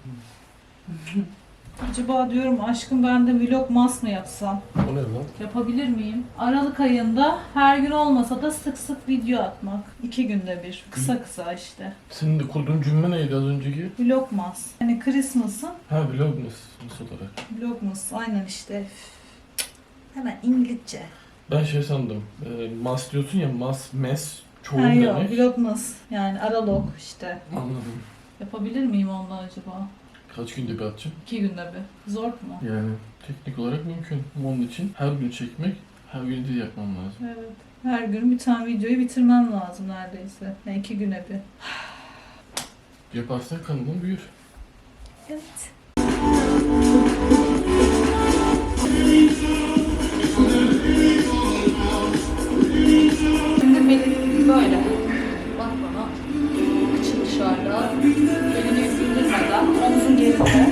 Acaba diyorum aşkım ben de vlogmas mı yapsam? O ne lan? Yapabilir miyim? Aralık ayında her gün olmasa da sık sık video atmak. 2 günde bir. Kısa kısa işte. Senin de kurduğun cümle neydi az önceki? Vlogmas. Hani Christmas'ın Ha vlogmas olarak. vlogmas. Aynen işte. Hemen İngilizce. Ben şey sandım. Mas diyorsun ya mes çoğul Ha yok, demek. vlogmas. Yani aralog işte. Anladım. Yapabilir miyim onunla acaba? Kaç günde bir atacağım? 2 günde bir. Zor mu? Yani teknik olarak mümkün. Onun için her gün çekmek, her gün de yapmam lazım. Evet. Her gün bir tane videoyu bitirmem lazım neredeyse. Yani 2 güne bir. Yaparsan kanalın büyür. Evet. Şimdi benim böyle. Bak bana. Kıçın dışarıda. Belini indirmeden. Omzun geride.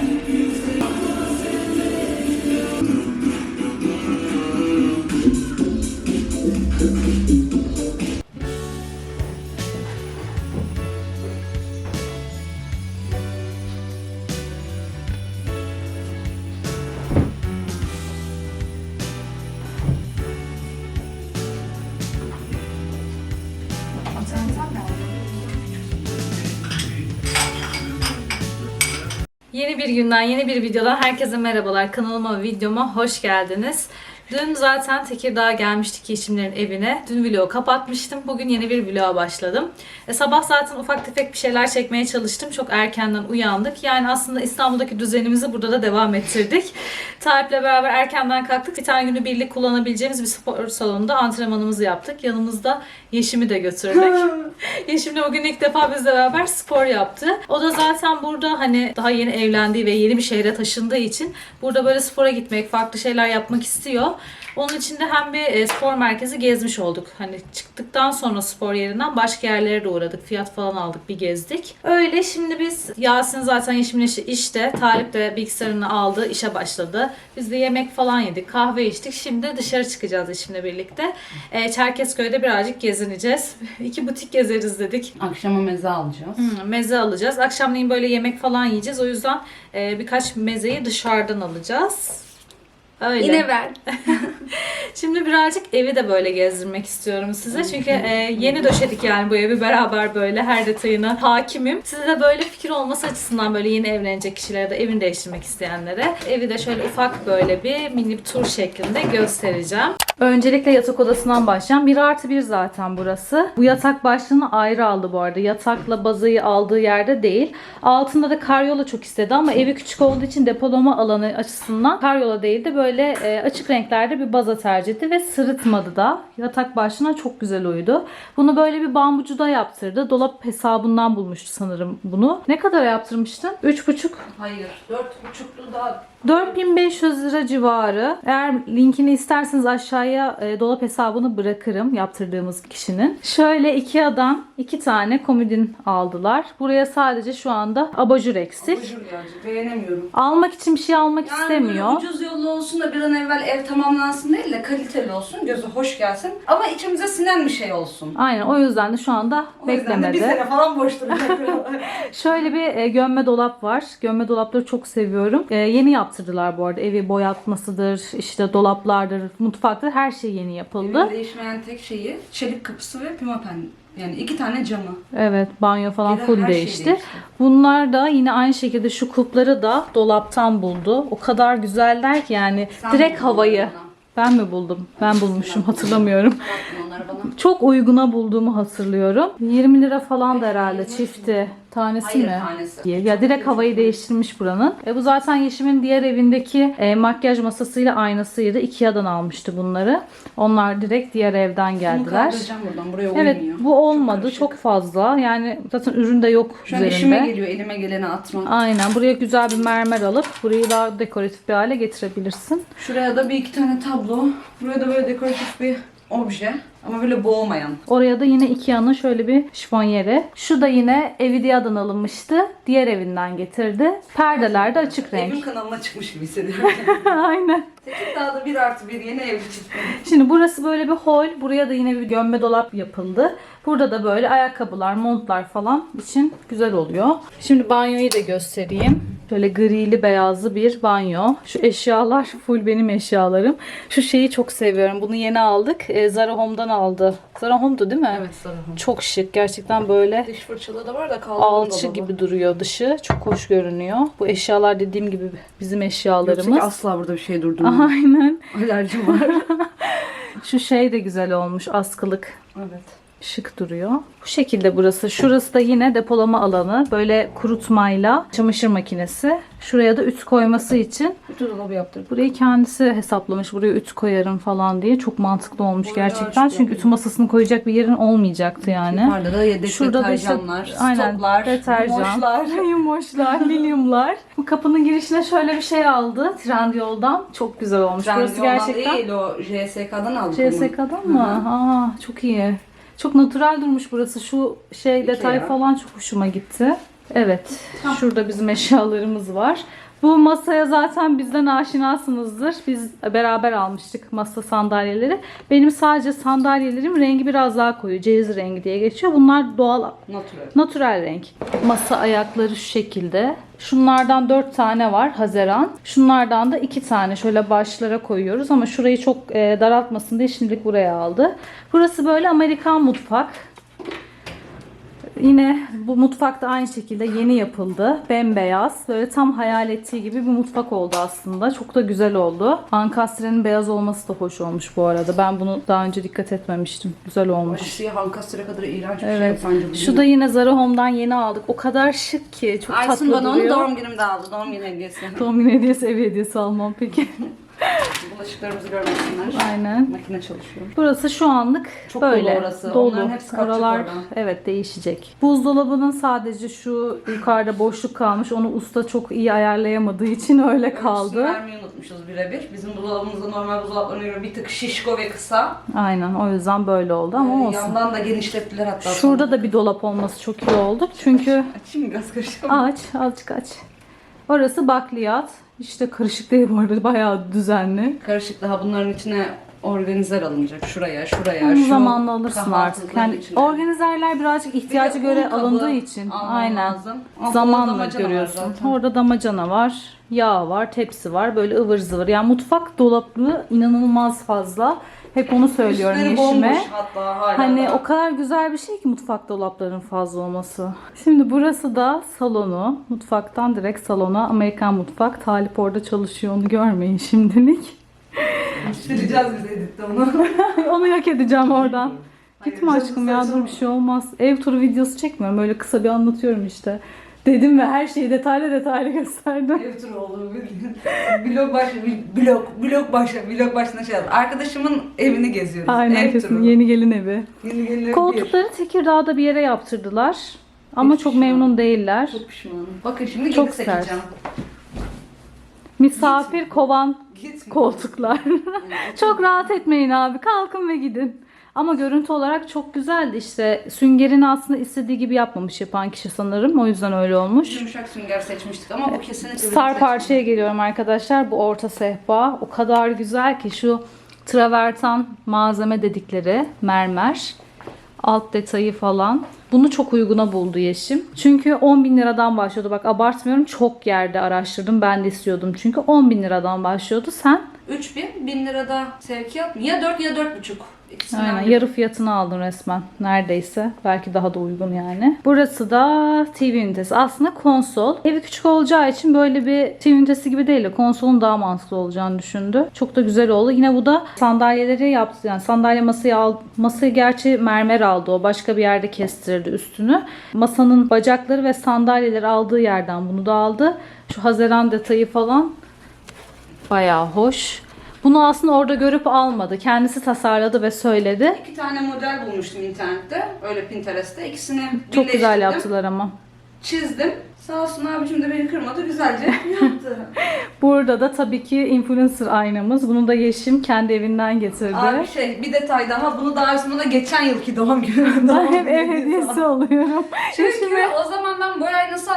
Yeni bir günden, yeni bir videodan herkese merhabalar. Kanalıma ve videoma hoş geldiniz. Dün zaten Tekirdağ'a gelmiştik Yeşimlerin evine. Dün vlogu kapatmıştım. Bugün yeni bir vloga başladım. Sabah zaten ufak tefek bir şeyler çekmeye çalıştım. Çok erkenden uyandık. Yani aslında İstanbul'daki düzenimizi burada da devam ettirdik. Tayyip'le beraber erkenden kalktık. Bir tane günü birlik kullanabileceğimiz bir spor salonunda antrenmanımızı yaptık. Yanımızda Yeşim'i de götürdük. Yeşim de bugün ilk defa bizle beraber spor yaptı. O da zaten burada hani daha yeni evlendiği ve yeni bir şehre taşındığı için burada böyle spora gitmek, farklı şeyler yapmak istiyor. Onun için de hem bir spor merkezi gezmiş olduk. Hani çıktıktan sonra spor yerinden başka yerlere de uğradık. Fiyat falan aldık, bir gezdik. Öyle şimdi biz Yasin zaten Yeşim'in işte. Talip de bilgisayarını aldı, işe başladı. Biz de yemek falan yedik, kahve içtik. Şimdi dışarı çıkacağız Yeşim'le birlikte. Çerkezköy'de birazcık gezineceğiz. 2 butik gezeriz dedik. Akşama meze alacağız. Meze alacağız. Akşamleyin böyle yemek falan yiyeceğiz. O yüzden birkaç mezeyi dışarıdan alacağız. Öyle. Yine ben. Şimdi birazcık evi de böyle gezdirmek istiyorum size. Çünkü yeni döşedik yani bu evi beraber böyle her detayına hakimim. Size de böyle fikir olması açısından böyle yeni evlenecek kişilere de evini değiştirmek isteyenlere evi de şöyle ufak böyle bir mini bir tur şeklinde göstereceğim. Öncelikle yatak odasından başlayacağım. 1+1 zaten burası. Bu yatak başlığını ayrı aldı bu arada. Yatakla bazayı aldığı yerde değil. Altında da karyola çok istedi ama evi küçük olduğu için depolama alanı açısından karyola değil de böyle açık renklerde bir baza tercih etti ve sırıtmadı da. Yatak başlığına çok güzel uydu. Bunu böyle bir bambucuda yaptırdı. Dolap hesabından bulmuştu sanırım bunu. Ne kadar yaptırmıştın? 3,5. Hayır, 4,5'lu da 4500 lira civarı. Eğer linkini isterseniz aşağıya dolap hesabını bırakırım yaptırdığımız kişinin. Şöyle Ikea'dan 2 tane komodin aldılar. Buraya sadece şu anda abajur eksik. abajur gelecek. Beğenemiyorum. Almak için bir şey almak Yani istemiyor. böyle ucuz yollu olsun da bir an evvel ev tamamlansın değil de kaliteli olsun, gözü hoş gelsin. Ama içimize sinen bir şey olsun. Aynen, o yüzden de şu anda O yüzden de bir beklemedi. sene falan boş duracak. Şöyle bir gömme dolap var. Gömme dolapları çok seviyorum. Yeni yaptırdılar bu arada. Evi boyatmasıdır, işte dolaplardır, mutfaktır, her şey yeni yapıldı. Evin değişmeyen tek şeyi çelik kapısı ve pimapen. Yani 2 tane camı. Evet, banyo falan Geri full her şey değişti. değişti. Bunlar da yine aynı şekilde şu kulpları da dolaptan buldu. O kadar güzeller ki yani Sen direkt buldun havayı. bana. Ben mi buldum? Ben bulmuşum, hatırlamıyorum. Baktın onları bana. Çok uyguna bulduğumu hatırlıyorum. 20 lira falan da herhalde çifti. Tanesi Hayır, mi? tanesi. Ya direkt havayı değiştirmiş buranın. Bu zaten Yeşim'in diğer evindeki makyaj masasıyla aynasıydı. Ikea'dan almıştı bunları. Onlar direkt diğer evden Bunu geldiler. kaldıracağım buradan. Buraya Evet, uymuyor. bu olmadı. karışık. Çok fazla. Yani zaten ürün de yok Şu an üzerinde. işime geliyor. Elime geleni atmak. Aynen. Buraya güzel bir mermer alıp burayı daha dekoratif bir hale getirebilirsin. Şuraya da bir iki tane tablo. Buraya da böyle dekoratif bir obje. Ama böyle boğmayan. Oraya da yine Ikea'nın şöyle bir şifonyeri. Şu da yine Evidia'dan alınmıştı. Diğer evinden getirdi. Perdeler de açık renk. Evin kanalına çıkmış gibi hissediyorum. Aynen. Tekirdağ'da 1+1 yeni evli çift. Şimdi burası böyle bir hol. Buraya da yine bir gömme dolap yapıldı. Burada da böyle ayakkabılar, montlar falan için güzel oluyor. Şimdi banyoyu da göstereyim. Böyle grili beyazlı bir banyo. Şu eşyalar full benim eşyalarım. Şu şeyi çok seviyorum. Bunu yeni aldık. Zara Home'dan aldı. Zara Home'du değil mi? Evet sanırım. Çok şık. Gerçekten böyle Diş fırçalığı da var da kaldırdım alçı gibi duruyor dışı. Çok hoş görünüyor. Bu eşyalar dediğim gibi bizim eşyalarımız. Asla burada bir şey durdurmuyor. Aynen. Alerjim var. Şu şey de güzel olmuş. Askılık. Evet. Şık duruyor. Bu şekilde burası. Şurası da yine depolama alanı. Böyle kurutmayla çamaşır makinesi. Şuraya da ütü koyması için. Ütü dolabı yaptırdım. Burayı kendisi hesaplamış. Buraya ütü koyarım falan diye. Çok mantıklı olmuş Buraya gerçekten. açık Çünkü yapayım. ütü masasını koyacak bir yerin olmayacaktı yani. Yukarıda da yedek Şurada da işte deterjanlar, aynen stoplar, deterjan, yumoşlar. yumoşlar, lilyumlar. Bu kapının girişine şöyle bir şey aldı Trendyol'dan. Çok güzel olmuş. Burası gerçekten değil, o JSK'dan aldık CSK'dan mı? Aa, çok iyi. Çok natural durmuş burası. Şu şey detay ya. falan çok hoşuma gitti. Evet. Şurada bizim eşyalarımız var. Bu masaya zaten bizden aşinasınızdır. Biz beraber almıştık masa sandalyeleri. Benim sadece sandalyelerim rengi biraz daha koyu. Ceviz rengi diye geçiyor. Bunlar doğal, natural renk. Masa ayakları şu şekilde. Şunlardan 4 tane var Hazeran. Şunlardan da 2 tane şöyle başlara koyuyoruz. Ama şurayı çok daraltmasın diye şimdilik buraya aldı. Burası böyle Amerikan mutfak. Yine bu mutfak da aynı şekilde yeni yapıldı. Bembeyaz. Böyle tam hayal ettiği gibi bir mutfak oldu aslında. Çok da güzel oldu. Ankastrenin beyaz olması da hoş olmuş bu arada. Ben bunu daha önce dikkat etmemiştim. Güzel olmuş. Siyah ankastre kadar iğrenç bir Evet. şey bence. Şu da yine Zara Home'dan yeni aldık. O kadar şık ki. Çok Aysun tatlı bana onu duruyor. doğum günümde aldı. Doğum günü hediyesi. Doğum günü hediyesi, ev hediyesi almam peki. Bulaşıklarımızı görmesinler. Aynen. Makine çalışıyor. Burası şu anlık Çok böyle dolu orası. dolu. Onların hepsi kalkacak Oralar oradan. evet değişecek. Buzdolabının sadece şu yukarıda boşluk kalmış. Onu usta çok iyi ayarlayamadığı için öyle kaldı. Ölçüsünü vermeyi unutmuşuz birebir. Bizim buzdolabımızda normal buzdolaplarına göre bir tık şişko ve kısa. Aynen, o yüzden böyle oldu ama olsun. Yandan da genişlettiler hatta. Şurada da bir dolap olması çok iyi oldu. Çünkü Açayım mı, gaz karışıyor? aç, azıcık aç. Orası bakliyat. İşte karışık değil bu arada, bayağı düzenli. Karışık daha bunların içine organizer alınacak. Şuraya, Onu şu zamanla alırsın artık. kahvaltılıkların Yani içine. organizerler birazcık ihtiyacı Bir de un göre kabı alındığı için. alman Aynen. lazım. Ama Zamanla damacana var görüyorsun. zaten. Orada damacana var, yağ var, tepsi var. Böyle ıvır zıvır. Yani mutfak dolaplığı inanılmaz fazla. Hep onu söylüyorum Üstleri eşime. bomboş hatta hala. Hani da. o kadar güzel bir şey ki mutfak dolaplarının fazla olması. Şimdi burası da salonu. Mutfaktan direkt salona. Amerikan mutfak. Talip orada çalışıyor. Onu görmeyin şimdilik. Bitireceğiz biz editte onu. Onu yok edeceğim oradan. Hayır, Gitme canım, aşkım ya, saçma. dur bir şey olmaz. Ev turu videosu çekmiyorum. Öyle kısa bir anlatıyorum işte. Dedim ve her şeyi detaylı detaylı gösterdim. Ev turu oldu bildiğin. Vlog başına şey yazdı. Arkadaşımın evini geziyoruz. Aynen, Ev kesin. turu. Yeni gelin evi. Yeni gelinleri Koltukları Tekirdağ'da bir yere yaptırdılar. Ama çok memnun değiller. Çok pişmanım. Bakın şimdi Çok geri sert. sekeceğim. Misafir kovan Gitmiyor. koltuklar. Çok rahat etmeyin abi. Kalkın ve gidin. Ama görüntü olarak çok güzeldi işte. Süngerini aslında istediği gibi yapmamış yapan kişi sanırım. O yüzden öyle olmuş. Yumuşak sünger seçmiştik ama bu kesinlikle Star parçaya geliyorum arkadaşlar. Bu orta sehpa. O kadar güzel ki şu travertan malzeme dedikleri mermer. Alt detayı falan. Bunu çok uyguna buldu Yeşim. Çünkü 10.000 liradan başlıyordu. Bak abartmıyorum. Çok yerde araştırdım. Ben de istiyordum çünkü. 10.000 liradan başlıyordu. Sen? 1000 lirada sevkiyat mı? Ya 4 ya 4,5. İkisinden Aynen, biri. yarı fiyatını aldın resmen. Neredeyse. Belki daha da uygun yani. Burası da TV ünitesi. Aslında konsol. Evi küçük olacağı için böyle bir TV ünitesi gibi değil de konsolun daha mantıklı olacağını düşündü. Çok da güzel oldu. Yine bu da sandalyeleri yaptı. Yani sandalye masayı aldı. Masayı gerçi mermer aldı o. Başka bir yerde kestirdi üstünü. Masanın bacakları ve sandalyeleri aldığı yerden bunu da aldı. Şu Hazeran detayı falan bayağı hoş. Bunu aslında orada görüp almadı. Kendisi tasarladı ve söyledi. 2 tane model bulmuştum internette. Öyle Pinterest'te. İkisini Çok güzel birleştirdim, yaptılar ama. çizdim. Sağ olsun abicim de beni kırmadı. Güzelce yaptı. Burada da tabii ki influencer aynamız. Bunu da Yeşim kendi evinden getirdi. Abi bir detay daha. Bunu da Arzu'na geçen yılki doğum günü. Ben hep ev hediyesi alıyorum. Çünkü o zaman ben boy aynası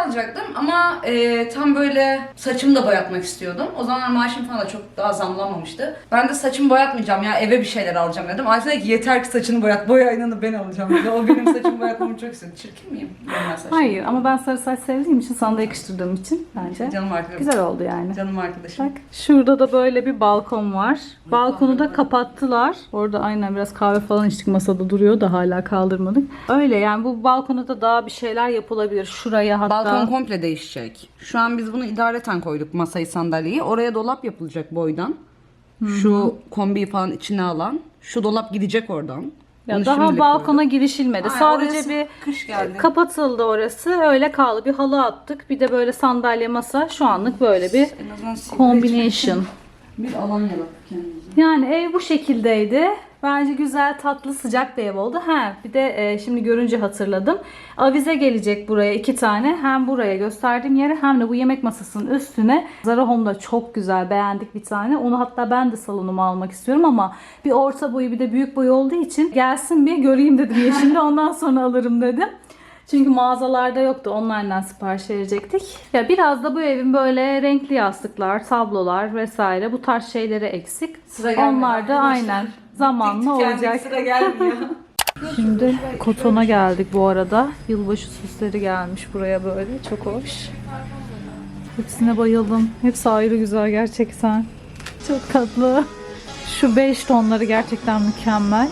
alacaktım ama tam böyle saçımı da boyatmak istiyordum. O zaman maaşım falan da çok daha zamlanmamıştı. Ben de saçımı boyatmayacağım ya, eve bir şeyler alacağım dedim. Ayşe dedi ki yeter ki saçını boyat, boya aynanı ben alacağım dedi. O benim saçımı boyatmamı çok istedi. Çirkin miyim? Normal saçım. Hayır ama ben sarı saç sevdiğim için, sana da yakıştırdığım için bence Canım arkadaşım. güzel oldu yani. Canım arkadaşım. Bak şurada da böyle bir balkon var. Balkonu da kapattılar. Orada aynen biraz kahve falan içtik, masada duruyor da hala kaldırmadık. Öyle yani, bu balkona da daha bir şeyler yapılabilir. Şuraya hatta. Balkon komple değişecek. Şu an biz bunu idareten koyduk, masayı, sandalyeyi. Oraya dolap yapılacak boydan. Şu kombiyi falan içine alan. Şu dolap gidecek oradan. Ya Onu daha şimdilik balkona koyduk. girişilmedi. Aynen, Sadece orası bir kış geldi. kapatıldı orası. Öyle kaldı. Bir halı attık. Bir de böyle sandalye, masa. Şu anlık böyle bir En azından sigara combination. içmek için bir alan yarattık kendimize. Yani ev bu şekildeydi. Bence güzel, tatlı, sıcak bir ev oldu. Bir de şimdi görünce hatırladım. Avize gelecek buraya 2 tane. Hem buraya gösterdiğim yere hem de bu yemek masasının üstüne. Zara Home'da çok güzel, beğendik bir tane. Onu hatta ben de salonuma almak istiyorum ama bir orta boyu bir de büyük boyu olduğu için gelsin bir göreyim dedim yeşilde, ondan sonra alırım dedim. Çünkü mağazalarda yoktu. Online'dan sipariş verecektik. Ya biraz da bu evin böyle renkli yastıklar, tablolar vesaire, bu tarz şeyleri eksik. Sıra gelmedi Onlar da arkadaşlar. aynen zamanla olacak. Sıra gelmiyor. Şimdi Koton'a geldik bu arada. Yılbaşı süsleri gelmiş buraya böyle. Çok hoş. Hepsine bayıldım. Hepsi ayrı güzel gerçekten. Çok tatlı. Şu beige tonları gerçekten mükemmel.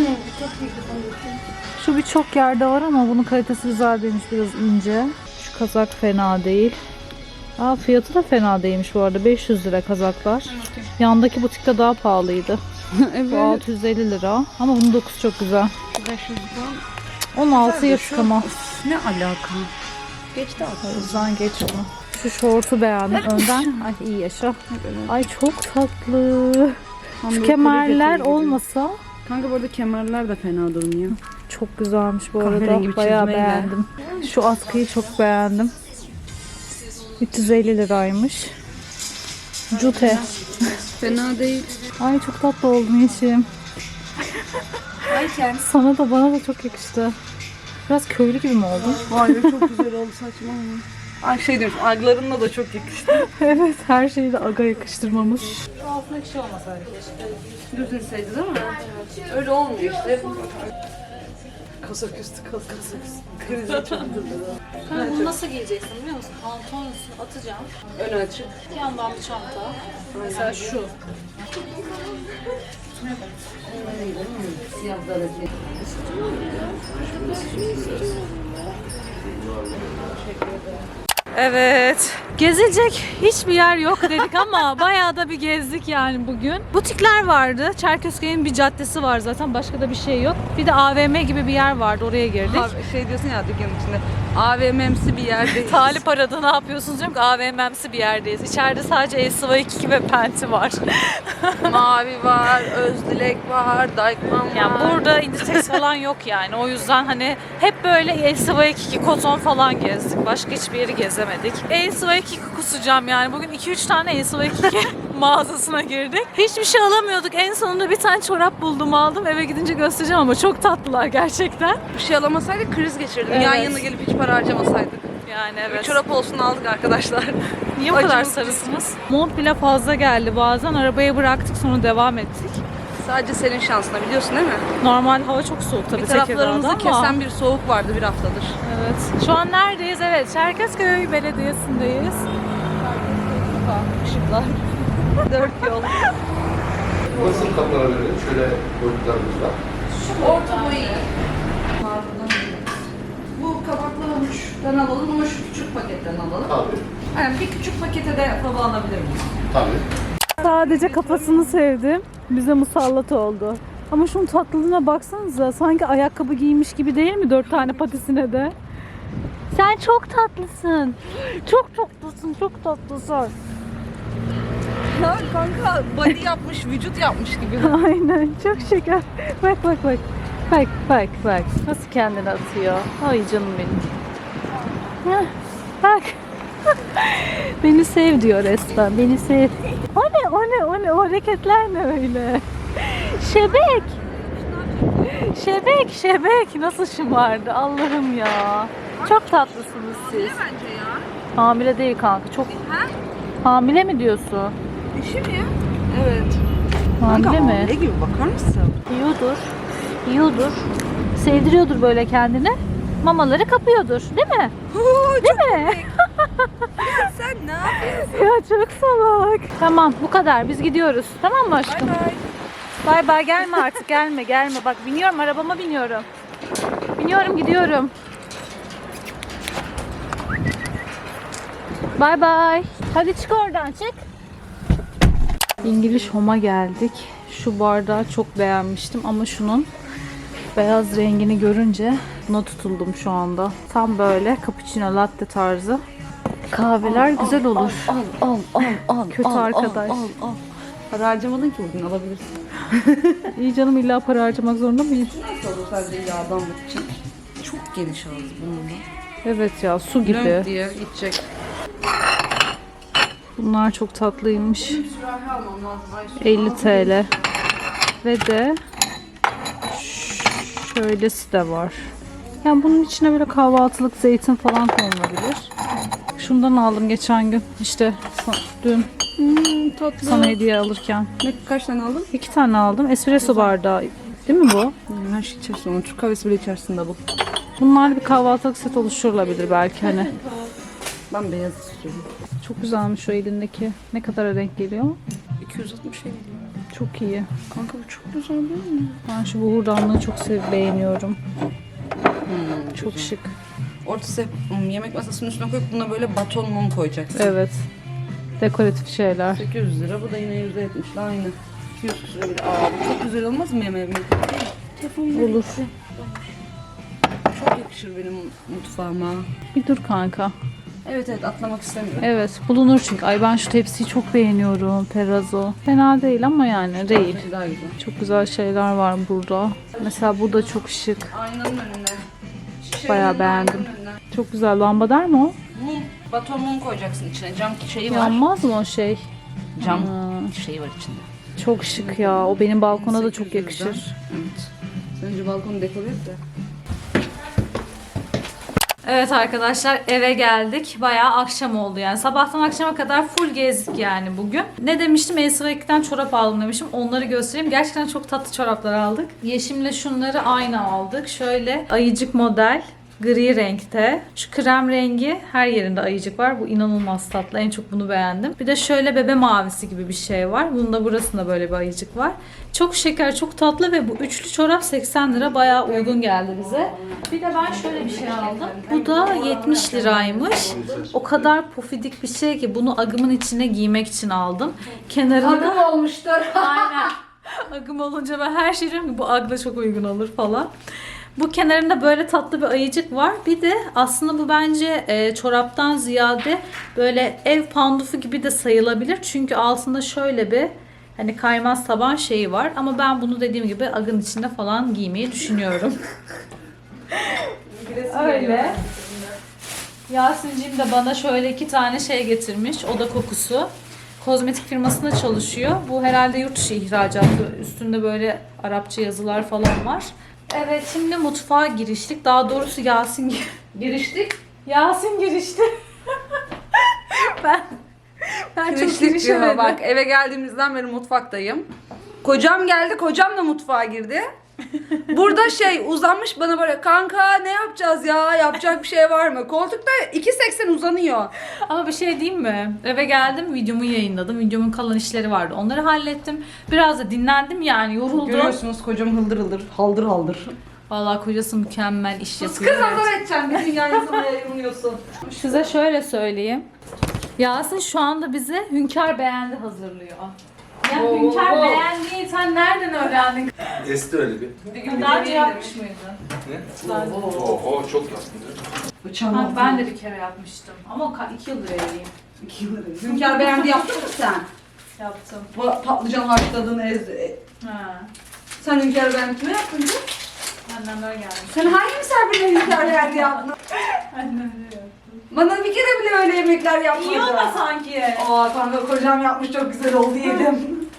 Şu birçok yerde var ama bunun kalitesi güzel demiş, biraz ince. Şu kazak fena değil. Fiyatı da fena değilmiş bu arada. 500 lira kazaklar. Yandaki butikte daha pahalıydı. Bu 650 lira. Ama bunun dokusu çok güzel. 500 falan. 16 yaşık ama. Ne alaka? Geçti aslında. O yüzden geç bunu. Şu şortu beğendim önden. Ay iyi yaşa. Ay çok tatlı. Şu kemerler olmasa. Kanka burada kemerler de fena durmuyor. Çok güzelmiş bu Kahverengi arada. bir Bayağı çizmeyle. beğendim. Şu askıyı çok beğendim. 350 liraymış. Cute. Fena değil. Ay çok tatlı oldun Yeşim. Ayken. Sana da bana da çok yakıştı. Biraz köylü gibi mi oldun? Vay be, çok güzel oldu, saçma mı? Ay şey diyormuş, aglarınla da çok yakıştı. Evet, her şeyi de aga yakıştırmamız. Şu altındaki şey olmasaydı keşke. Düz inseydi değil mi? Öyle olmuyor işte. Kazak üstü, kazak üstü. Krizi çok Kanka bunu nasıl giyeceksin biliyor musun? Pantolonun üstüne atacağım. Ön açık. Yandan bir çanta. Mesela şu. Siyah daracı. Evet. Gezilecek hiçbir yer yok dedik ama bayağı da bir gezdik yani bugün. Butikler vardı. Çerkezköy'ün bir caddesi var zaten. Başka da bir şey yok. Bir de AVM gibi bir yer vardı. Oraya girdik. Abi şey diyorsun ya dükkanın içinde. AVM'msi bir yerdeyiz. Talip aradı, ne yapıyorsunuz diyorum ki AVM'msi bir yerdeyiz. İçeride sadece Elsiva 2 ve Penti var. Mavi var, Özdilek var, Dykman var. Yani burada Inditex falan yok yani. O yüzden hani hep böyle Elsiva 2, Koton falan gezdik. Başka hiçbir yeri gezemedik. Elsiva 2 kusacağım yani. Bugün 2-3 tane Elsiva 2 mağazasına girdik. Hiçbir şey alamıyorduk. En sonunda bir tane çorap buldum, aldım. Eve gidince göstereceğim ama çok tatlılar gerçekten. Bir şey alamasaydık kriz geçirdim. Evet. Yan yana gelip hiç para harcamasaydık. Yani evet. Bir çorap olsun aldık arkadaşlar. Niye bu kadar Acımız sarısınız? Mont bile fazla geldi bazen. Arabaya bıraktık, sonra devam ettik. Sadece senin şansına, biliyorsun değil mi? Normal hava çok soğuk tabii Bir Tekirdağ'da taraflarımızı ama. kesen bir soğuk vardı bir haftadır. Evet. Şu an neredeyiz? Evet, Çerkezköy Belediyesi'ndeyiz. Işıklar. 4 yol. Nasıl kaplara verelim? Şöyle boyutlarımız var. Orta boyu iyi. Bu kabaklı havuçtan alalım ama şu küçük paketten alalım. Tabii. Yani bir küçük pakete de fava alabilir miyiz? Tabii. Sadece kafasını sevdim. Bize musallat oldu. Ama şunun tatlılığına baksanıza. Sanki ayakkabı giymiş gibi değil mi 4 tane patisine de? Sen çok tatlısın. Çok tatlısın, çok tatlısın. Ya kanka body yapmış, vücut yapmış gibi. Aynen, çok şeker. Bak bak bak. Bak bak bak. Nasıl kendini atıyor. Ay canım benim. Heh, bak. Beni sev diyor resmen. Beni sev. O ne o ne o ne, o hareketler ne öyle? Şebek. Şebek şebek. Nasıl şımardı Allah'ım ya. Çok tatlısınız siz. Bence ya. Hamile değil kanka. Çok Ha? hamile mi diyorsun? Dişi mi? Evet. Hamile mi? Hamile gibi bakar mısın? Yiyordur. Yiyordur. Sevdiriyordur böyle kendine. Mamaları kapıyordur. Değil mi? Değil mi? Sen ne yapıyorsun? Ya çok salak. Tamam bu kadar. Biz gidiyoruz. Tamam mı aşkım? Bay bay, gelme artık, gelme bak biniyorum, arabama biniyorum. Biniyorum, gidiyorum. Bay bay. Hadi çık oradan, çık. İngiliz Home'a geldik. Şu bardağı çok beğenmiştim ama şunun beyaz rengini görünce buna tutuldum şu anda. Tam böyle cappuccino latte tarzı kahveler güzel olur. Al. Kötü arkadaş. Para harcamadın ki bugün, alabilirsin. İyi canım, illa para harcamak zorunda mıyız? Nasıl olur sadece yağdanlık için? Çok geniş ağız bununla. Evet ya, su gibi. Lönk diye içecek. Bunlar çok tatlıymış. Sürahi almam lazım. Ay, 50 TL. Ve de şöylesi de var. Yani bunun içine böyle kahvaltılık zeytin falan konulabilir. Şundan aldım geçen gün. İşte dün tatlı. sana hediye alırken. Kaç tane aldın? 2 tane aldım. Espresso bardağı. Değil mi bu? Her şey içersin onu. Türk kahvesi bile içersin de bu. Bunlarla bir kahvaltılık set oluşturulabilir belki hani. Ben beyaz istiyorum. Çok güzelmiş o elindeki. Ne kadara denk geliyor? 260 şey. Çok iyi. Kanka bu çok güzel değil mi? Ben şu buhurdanlığı çok beğeniyorum. Çok güzel. şık. Ortası yemek masasının üstüne koyup buna böyle baton mum koyacaksın. Evet. Dekoratif şeyler. 800 lira. Bu da yine %70 aynı. 200 küsur bir. Aa bu çok güzel olmaz mı yemeğe? Olur. Çok yakışır benim mutfağıma. Bir dur kanka. Evet atlamak istemiyorum. Evet, bulunur çünkü. Ay ben şu tepsiyi çok beğeniyorum. Terrazzo. Fena değil ama yani değil. Bir şey daha güzel. Çok güzel şeyler var burada. Mesela bu da çok şık. Aynanın önüne. Şişenin Bayağı önüne, beğendim. aynanın önüne. Çok güzel. Lambader mı o? Mum. Baton mum koyacaksın içine. Cam şeyi var. Yanmaz mı o şey? Cam Aa, şeyi var içinde. çok şık ya. O benim balkona da çok 800'den. yakışır. Evet. Sen önce balkonu dekore et de. Evet arkadaşlar, eve geldik. Bayağı akşam oldu yani. Sabahtan akşama kadar full gezdik yani bugün. Ne demiştim? Elsivek'ten çorap aldım demiştim. Onları göstereyim. Gerçekten çok tatlı çoraplar aldık. Yeşim'le şunları aynı aldık. Şöyle ayıcık model. Gri renkte. Şu krem rengi, her yerinde ayıcık var. Bu inanılmaz tatlı. En çok bunu beğendim. Bir de şöyle bebe mavisi gibi bir şey var. Bunun da burasında böyle bir ayıcık var. Çok şeker, çok tatlı ve bu üçlü çorap 80 lira. Bayağı uygun geldi bize. Bir de ben şöyle bir şey aldım. Bu da 70 liraymış. O kadar pofidik bir şey ki bunu agımın içine giymek için aldım. Kenarında... Agım olmuştur. Aynen. Agım olunca ben her şey diyorum ki bu agla çok uygun olur falan. Bu kenarında böyle tatlı bir ayıcık var. Bir de aslında bu bence çoraptan ziyade böyle ev pandufu gibi de sayılabilir. Çünkü altında şöyle bir hani kaymaz taban şeyi var. Ama ben bunu dediğim gibi agın içinde falan giymeyi düşünüyorum. Öyle. Yasin'cim de bana şöyle 2 tane şey getirmiş. Oda kokusu. Kozmetik firmasında çalışıyor. Bu herhalde yurt dışı ihracatı. Üstünde böyle Arapça yazılar falan var. Evet, şimdi mutfağa giriştik. Daha doğrusu Yasin giriştik. Yasin girişti. ben çok Giriştik diyor. girişemedim. Bak eve geldiğimizden beri mutfaktayım. Kocam geldi, kocam da mutfağa girdi. Burada uzanmış bana böyle, kanka ne yapacağız ya, yapacak bir şey var mı? Koltukta 2.80 uzanıyor. Ama bir şey diyeyim mi? Eve geldim, videomu yayınladım. Videomun kalan işleri vardı. Onları hallettim. Biraz da dinlendim yani, yoruldum. Görüyorsunuz kocam hıldır hıldır, haldır haldır. Vallahi kocası mükemmel iş Kız yapıyor. azar edeceğim, bir dünya insanına yayınlıyorsun. Size şöyle söyleyeyim. Yasin şu anda bize Hünkar Beğendi hazırlıyor. Ya Oo. Hünkar Beğendi'yi sen nereden öğrendin? Esti öyle bir. Bir gün Daha önce yapmış mıydın? Ne? Oho çok yaptın. Ha, ben de bir kere yapmıştım. ama 2 yıldır evliyim. Hünkar beğendi yaptın mı sen? Yaptım. Patlıcan haşladın, ezdi. Ha. Sen hünkar beğendi mi yaptın kız? Annemler gelmiş. Sen hangi misafirle hünkar beğendi yaptın? Annemler yaptı. Bana bir kere bile öyle yemekler yapmadı. İyi olma sanki. Aa kanka kocam yapmış, çok güzel oldu, yedim.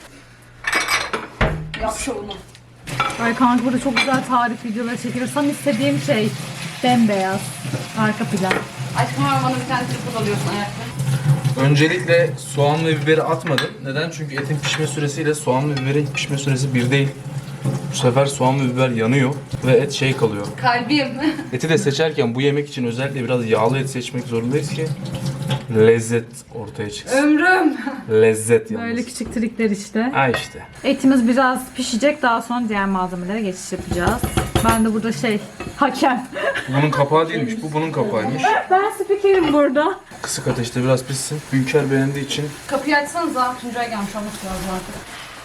Yap şovunu. Ay kanka burada çok güzel tarif videoları çekiyoruz. Tam istediğim şey. Bembeyaz. Arka plan. Aşkım var bana bir tane tripod alıyorsun ayakta. Öncelikle soğan ve biberi atmadım. Neden? Çünkü etin pişme süresiyle soğan ve biberin pişme süresi bir değil. Bu sefer soğan ve biber yanıyor ve et şey kalıyor. Kalbim. Eti de seçerken bu yemek için özellikle biraz yağlı et seçmek zorundayız ki lezzet ortaya çıksın. Ömrüm. Lezzet yalnız. Böyle küçük trikler işte. Ha işte. Etimiz biraz pişecek. Daha sonra diğer malzemelere geçiş yapacağız. Ben de burada hakem. Bunun kapağı değilmiş. Bu bunun kapağıymış. Ben spikerim burada. Kısık ateşte biraz pişsin. Hünkar beğendiği için. Kapıyı açsanıza. Tuncay gelmiş olması lazım artık.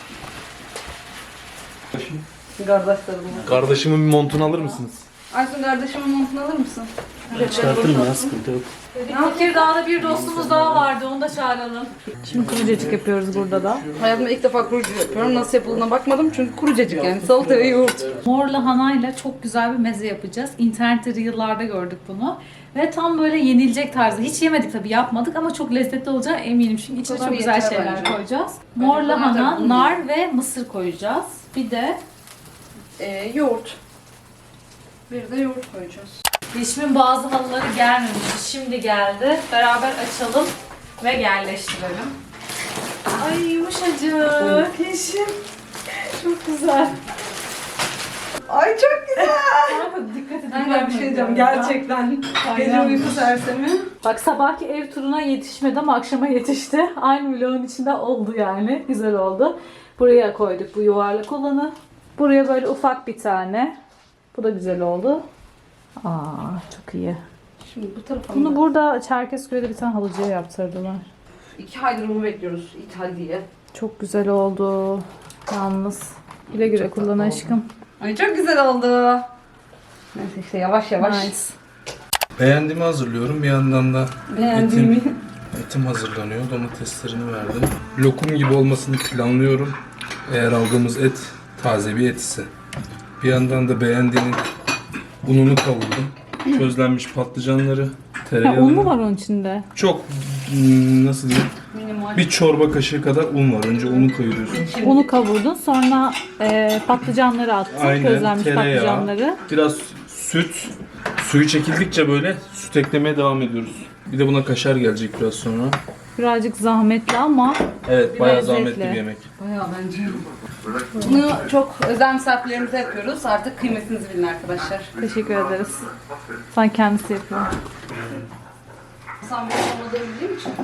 Kardeşlerim. Kardeşimin bir montunu alır mısınız? Aysun kardeşimin montunu alır mısın? Çıkartırım ya, sıkıntı yok. Tekirdağ'da bir dostumuz daha vardı. Onu da çağıralım. Şimdi kurucacık yapıyoruz burada da. Hayatımda ilk defa kuru cacık yapıyorum. Nasıl yapıldığına bakmadım çünkü kuru cacık yani. Salata ve yoğurt. Mor lahanayla çok güzel bir meze yapacağız. İnternette reel'larda gördük bunu. Ve tam böyle yenilecek tarzı. Hiç yemedik tabii, yapmadık ama çok lezzetli olacağı eminim. Çünkü içine kadar çok güzel yeter şeyler bence. koyacağız. Mor Bence bu kadar lahana, da nar ve mısır koyacağız. Bir de Yoğurt. Bir de yoğurt koyacağız. Yeşim'in bazı halıları gelmemişti. Şimdi geldi. Beraber açalım ve yerleştirelim. Ay yumuşacık Yeşim. Çok güzel. Ay çok güzel. Dikkat edin. Ben bir şey diyeceğim gerçekten. Gece uyku sersemi. Bak sabahki ev turuna yetişmedi ama akşama yetişti. Aynı vlogun içinde oldu yani. Güzel oldu. Buraya koyduk bu yuvarlak olanı. Buraya böyle ufak bir tane. Bu da güzel oldu. Aa çok iyi. Şimdi bu tarafa Bunu burada Çerkezköy'de bir tane halıcıya yaptırdılar. 2 aydır bunu bekliyoruz İthal diye. Çok güzel oldu. Yalnız. Güle güle kullan aşkım. Ay çok güzel oldu. Neyse işte yavaş yavaş. Nice. Beğendiğimi hazırlıyorum. Bir yandan da Beğendiğimi. etim hazırlanıyor. Domateslerini verdim. Lokum gibi olmasını planlıyorum. Eğer aldığımız et taze bir et ise. Bir yandan da beğendiğinin ununu kavurdum. Közlenmiş patlıcanları, Ha, tereyağını. un mu var onun içinde? Çok nasıl diyeyim? Minimal. Bir çorba kaşığı kadar un var. Önce unu koyuyorsun. Unu kavurdun, sonra patlıcanları attın, Aynen, közlenmiş tereyağı. patlıcanları. Biraz süt. Suyu çekildikçe böyle süt eklemeye devam ediyoruz. Bir de buna kaşar gelecek biraz sonra. Birazcık zahmetli ama Evet, bayağı Lezzetli. zahmetli bir yemek. Bayağı bence. Bunu çok özel misafirlerimize yapıyoruz. Artık kıymetinizi bilin arkadaşlar. teşekkür ederiz. Sen kendisi yapıyor. Sen benim olmadığını bildiğim için.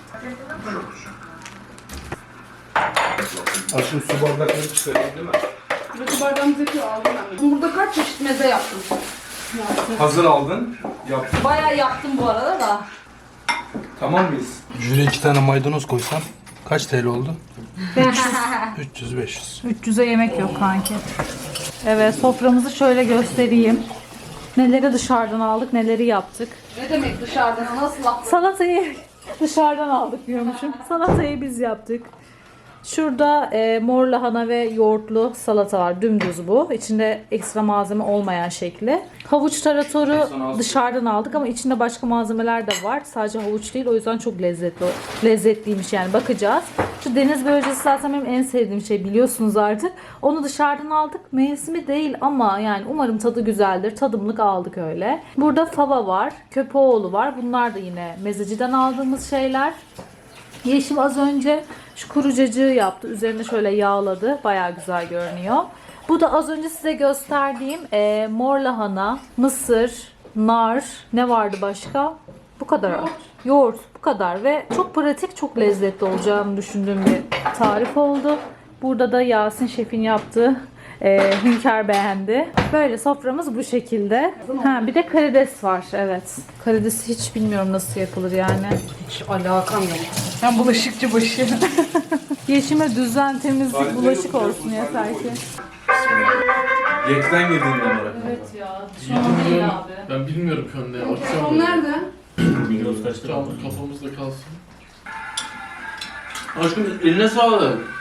Aşkım su bardakları çıkarayım değil mi? Burası bardağımızı yapıyor aldım ben. Burada kaç çeşit meze yaptım. Hazır aldın. Yaptın. Bayağı yaptım bu arada da. Tamam mıyız? Şuraya 2 tane maydanoz koysam kaç TL oldu? 300-500. 300'e yemek yok kanki. Evet, soframızı şöyle göstereyim. Neleri dışarıdan aldık, neleri yaptık. Ne demek dışarıdan nasıl laf? Salatayı dışarıdan aldık diyormuşum. Salatayı biz yaptık. Şurada mor lahana ve yoğurtlu salata var. Dümdüz bu. İçinde ekstra malzeme olmayan şekli. Havuç taratoru dışarıdan aldık ama içinde başka malzemeler de var. Sadece havuç değil. O yüzden çok lezzetliymiş yani. Bakacağız. Şu deniz börülcesi zaten benim en sevdiğim şey, biliyorsunuz artık. Onu dışarıdan aldık. Mevsimi değil ama yani umarım tadı güzeldir. Tadımlık aldık öyle. Burada fava var. Köpoğlu var. Bunlar da yine mezeciden aldığımız şeyler. Yeşim az önce şu kuru cacığı yaptı. Üzerine şöyle yağladı. Bayağı güzel görünüyor. Bu da az önce size gösterdiğim mor lahana, mısır, nar, ne vardı başka? Bu kadar. Yoğurt. Bu kadar ve çok pratik, çok lezzetli olacağını düşündüğüm bir tarif oldu. Burada da Yasin Şef'in yaptığı Hünkar beğendi. Böyle soframız bu şekilde. Ha, bir de karides var. Evet. Karidesi hiç bilmiyorum nasıl yapılır yani. Hiç alakam yok. Ben bulaşıkçı başı. Yeşime düzen, temizlik, bulaşık olsun yeter ki. Yekten yediğin olarak. Evet ya. Şu an değil abi. Ben bilmiyorum ki ne. Akşam Telefon nerede? Kafamızda kalsın. Aşkım eline sağlık.